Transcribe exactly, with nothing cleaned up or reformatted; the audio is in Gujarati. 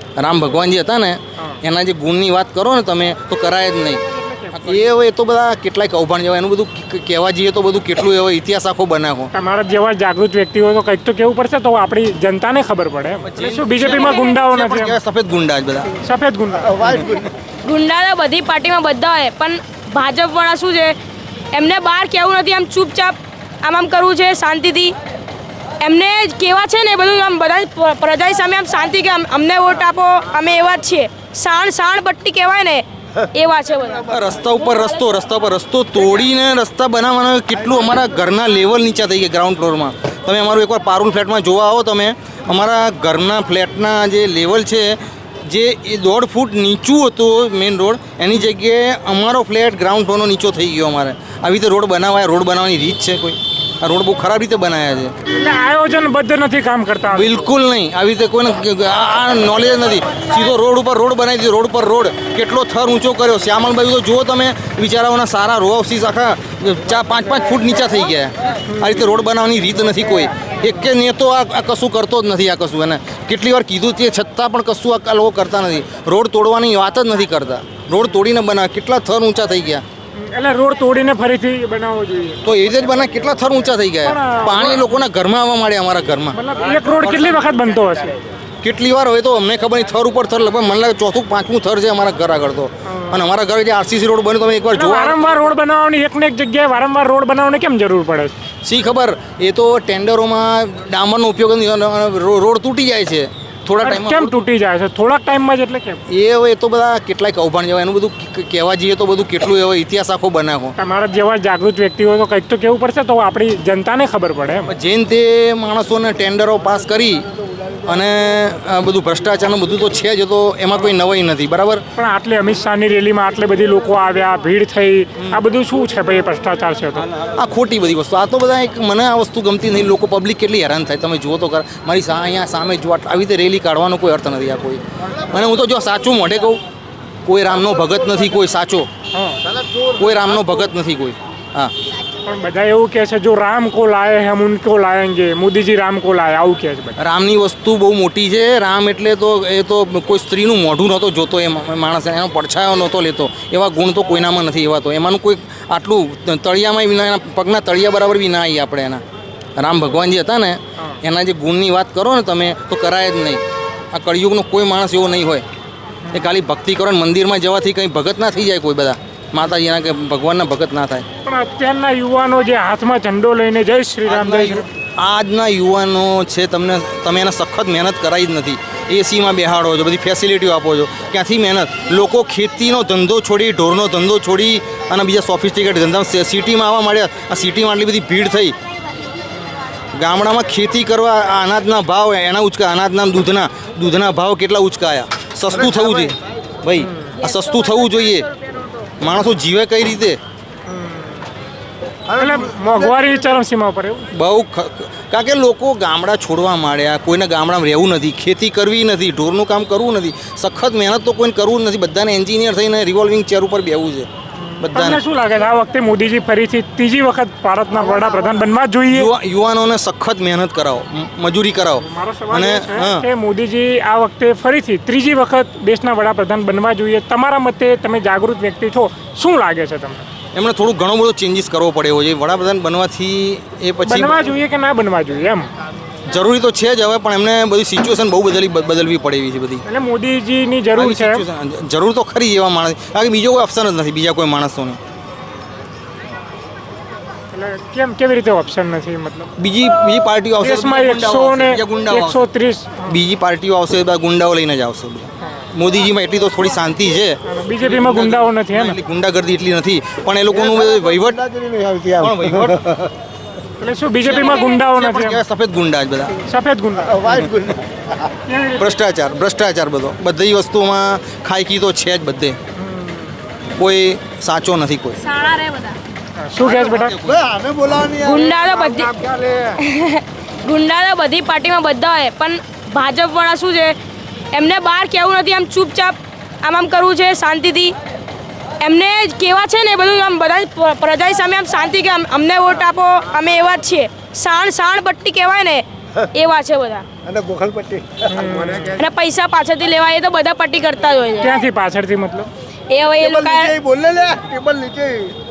રામ ભગવાનજી હતા ને એના જે ગુણની વાત કરો ને તમે તો કરાય જ નહીં. એ હવે એ તો બધા કેટલાય કૌભાંડ જેવા એનું બધું કહેવા જઈએ તો બધું કેટલું એવો ઇતિહાસ આખો બનાવો. તમારા જેવા જાગૃત વ્યક્તિ હોય તો કંઈક તો કેવું પડશે તો આપણી જનતાને ખબર પડે. શું બીજેપીમાં ગુંડાઓ નથી? સફેદ ગુંડા જ બધા. સફેદ ગુંડા ગુંડા તો બધી પાર્ટીમાં બધા હોય, પણ ભાજપ વાળા શું છે, એમને બહાર કહેવું નથી, આમ ચૂપચાપ આમ આમ કરવું છે શાંતિથી. એમને કહેવા છે ને બધું આમ બધા પ્રજા સામે આમ શાંતિ કે અમને વોટ આપો, અમે એવા જ છીએ. સાણ સાણ બટ્ટી કહેવાય ને એવા છે બધા. રસ્તા ઉપર રસ્તો રસ્તા ઉપર રસ્તો તોડીને રસ્તા બનાવવાનો કેટલું અમારા ઘરના લેવલ નીચા થઈ ગયા. ગ્રાઉન્ડ ફ્લોરમાં તમે અમારું એકવાર પારુલ ફ્લેટમાં જોવા આવો તમે, અમારા ઘરના ફ્લેટના જે લેવલ છે જે એ દોઢ ફૂટ નીચું હતું મેઇન રોડ, એની જગ્યાએ અમારો ફ્લેટ ગ્રાઉન્ડ ફ્લોરનો નીચો થઈ ગયો. અમારે આવી રીતે રોડ બનાવાય, રોડ બનાવવાની રીત છે કોઈ? આ રોડ બહુ ખરાબ રીતે બનાવ્યા છે. એટલે આયોજનબદ્ધ નથી કામ કરતા. બિલકુલ નહીં. આવી રીતે કોઈને આ નોલેજ નથી. સીધો રોડ ઉપર રોડ બનાવી દીધો. રોડ પર રોડ કેટલો થર ઊંચો કર્યો. શ્યામલભાઈ તો જુઓ તમે, બિચારાઓના સારા રો હાઉસીસ આખા ચાર પાંચ પાંચ ફૂટ નીચા થઈ ગયા. આ રીતે રોડ બનાવવાની રીત નથી કોઈ. એક કે નેતો આ કશું કરતો જ નથી. આ કશું એને કેટલી વાર કીધું તે છતાં પણ કશું આ લોકો કરતા નથી. રોડ તોડવાની વાત જ નથી કરતા. રોડ તોડીને બનાવે. કેટલા થર ઊંચા થઈ ગયા. એટલે રોડ તોડીને ફરીથી બનાવવો જોઈએ તો એ રીતે જ બનાવે. કેટલા થર ઊંચા થઈ ગયા. પાણી લોકોના ઘરમાં આવવા માંડ્યા. અમારા ઘરમાં મતલબ એક રોડ કેટલી વખત બનતો હશે? કેટલી વાર હોય તો અમને ખબર નહીં. થર ઉપર થર લગભગ મને લાગે ચોથું પાંચમું થર છે અમારા ઘર આગળ તો. અને અમારા ઘરે જે આરસીસી રોડ બન્યો તમે એકવાર જોવા. વારંવાર રોડ બનાવવાની એકને એક જગ્યાએ વારંવાર રોડ બનાવવાની કેમ જરૂર પડે? શી ખબર. એ તો ટેન્ડરોમાં ડામરનો ઉપયોગ રોડ તૂટી જાય છે થોડા ટાઈમ. કેમ તૂટી જાય છે થોડાક ટાઈમમાં જ? એટલે કેમ? એ હવે તો બધા કેટલાય કૌભાંડ જેવા એનું બધું કહેવા જઈએ તો બધું કેટલું એવો ઇતિહાસ આખો બનાવો. તમારા જેવા જાગૃત વ્યક્તિ હોય તો કંઈક તો કેવું પડશે તો આપણી જનતાને ખબર પડે. જેન તે માણસોને ટેન્ડરો પાસ કરી અને બધું ભ્રષ્ટાચારનું બધું તો છે જ, તો એમાં કોઈ નવાઈ નથી. બરાબર. પણ આટલી અમિત શાહની રેલીમાં આટલે બધી લોકો આવ્યા, ભીડ થઈ, આ બધું શું છે ભાઈ? ભ્રષ્ટાચાર છે તો આ ખોટી બધી વસ્તુ. આ તો બધા એક મને આ વસ્તુ ગમતી નહીં. લોકો પબ્લિક કેટલી હેરાન થાય તમે જુઓ તો કર. મારી સા અહીંયા સામે જો આવી રીતે રેલી કાઢવાનો કોઈ અર્થ નથી આ કોઈ. અને હું તો જો સાચું મોઢે કહું, કોઈ રામનો ભગત નથી કોઈ સાચો. કોઈ રામનો ભગત નથી કોઈ. હા, પણ બધા એવું કહે છે જો રામ કો લાયે હમ ઉनको લાયેંગે, મોદીજી રામ કો લાયે, આવું કહે છે બધા. રામની વસ્તુ બહુ મોટી છે. રામ એટલે તો એ તો કોઈ સ્ત્રીનું મોઢું નહોતો જોતો. એ માણસ એનો પડછાયો નહોતો લેતો. એવા ગુણ તો કોઈનામાં નથી. એવા તો એમાંનું કોઈ આટલું તળિયામાં વિના, એના પગના તળિયા બરાબર બી ના આવીએ આપણે એના. રામ ભગવાનજી હતા ને એના જે ગુણની વાત કરો ને તમે તો કરાય જ નહીં. આ કળિયુગનો કોઈ માણસ એવો નહીં હોય. એ ખાલી ભક્તિ કરો ને મંદિરમાં જવાથી કંઈ ભગત ના થઈ જાય કોઈ. બધા માતાજીના કે ભગવાનના ભગત ના થાય. પણ અત્યારના યુવાનો જે હાથમાં ઝંડો લઈને જય શ્રી રામ જય શ્રી આજના યુવાનો છે, તમને તમે એને સખત મહેનત કરાવી જ નથી. એસીમાં બેહાડો છો, બધી ફેસિલિટીઓ આપો છો. ક્યાંથી મહેનત? લોકો ખેતીનો ધંધો છોડી, ઢોરનો ધંધો છોડી અને બીજા સોફિસ્ટિકેટ ધંધા સિટીમાં આવવા માંડ્યા. આ સિટીમાં આટલી બધી ભીડ થઈ. ગામડામાં ખેતી કરવા અનાજના ભાવ એના ઉચકા, અનાજના દૂધના દૂધના ભાવ કેટલા ઉચકાયા. સસ્તું થવું જોઈએ ભાઈ. આ સસ્તું થવું જોઈએ. માણસો જીવે કઈ રીતે? એટલે મોંઘવારી ચરમસીમા પર એવું બહુ. કારણ કે લોકો ગામડા છોડવા માંડ્યા. કોઈને ગામડામાં રહેવું નથી, ખેતી કરવી નથી, ઢોરનું કામ કરવું નથી. સખત મહેનત તો કોઈને કરવું નથી. બધાને એન્જિનિયર થઈને રિવોલ્વિંગ ચેર ઉપર બેહવું છે બધાને. શું લાગે છે આ વખતે મોદીજી ફરીથી ત્રીજી વખત ભારતના વડાપ્રધાન બનવા જોઈએ? યુવાનોને સખત મહેનત કરાવો, મજૂરી કરાવો. અને કે મોદીજી આ વખતે ફરીથી ત્રીજી વખત દેશના વડાપ્રધાન બનવા જોઈએ. તમારા મતે, તમે જાગૃત વ્યક્તિ છો, શું લાગે છે તમને? એમણે થોડું ઘણો બધો ચેન્જીસ કરવો પડે એવો છે. વડાપ્રધાન બનવાથી એ પછી બનવા જોઈએ કે ના બનવા જોઈએ એમ જરૂરી તો છે જ હવે, પણ એમને બધી સિચ્યુએશન બહુ બદલી બદલવી પડે એવી છે બધી. એટલે મોદીજીની જરૂર છે. જરૂર તો ખરી એવા માણસ. કારણ કે બીજો કોઈ ઓપ્શન જ નથી બીજા કોઈ માણસોને. એટલે કેમ કેવી રીતે ઓપ્શન નથી? મતલબ બીજી બીજી પાર્ટીઓ આવશે, દેશમાં એકસો ને એકસો ત્રીસ બીજી પાર્ટીઓ આવશે, બધા ગુંડાઓ લઈને જ આવશે. મોદીજીમાં એટલી તો થોડી શાંતિ છે. બીજેપીમાં ગુંડાઓ નથી હે ને? એટલી ગુંડાગર્દી એટલી નથી. પણ એ લોકોનું વહીવટ પણ વહીવટ એટલે શું બીજેપીમાં ગુંડાઓ નથી? સફેદ ગુંડા જ બધા. સફેદ ગુંડા. ભ્રષ્ટાચાર ભ્રષ્ટાચાર બધો. બધી વસ્તુમાં ખાયકી તો છે જ બધે. કોઈ સાચો નથી કોઈ. સારા રે બધા. શું કહે છે બેટા? ગુંડા તો બધી ગુંડા તો બધી પાર્ટીમાં બધા હોય, પણ ભાજપ વાળા શું છે, એમને બહાર કહેવું નથી, આમ ચૂપચાપ આમ આમ કરવું છે શાંતિથી. એમને કહેવા છે ને બધું આમ બધા પ્રજા સામે આમ શાંતિ કે અમને વોટ આપો, અમે એવા જ છીએ. સાણ સાણ બટ્ટી કહેવાય ને એવા છે બધા અને ગોખલપટ્ટી અને પૈસા પાછળથી લેવા એ તો બધા પટ્ટી કરતા જ હોય છે ક્યાંથી પાછળથી મતલબ એ હવે એ ટેબલ લોકો નીચે બોલ લે ટેબલ નીચે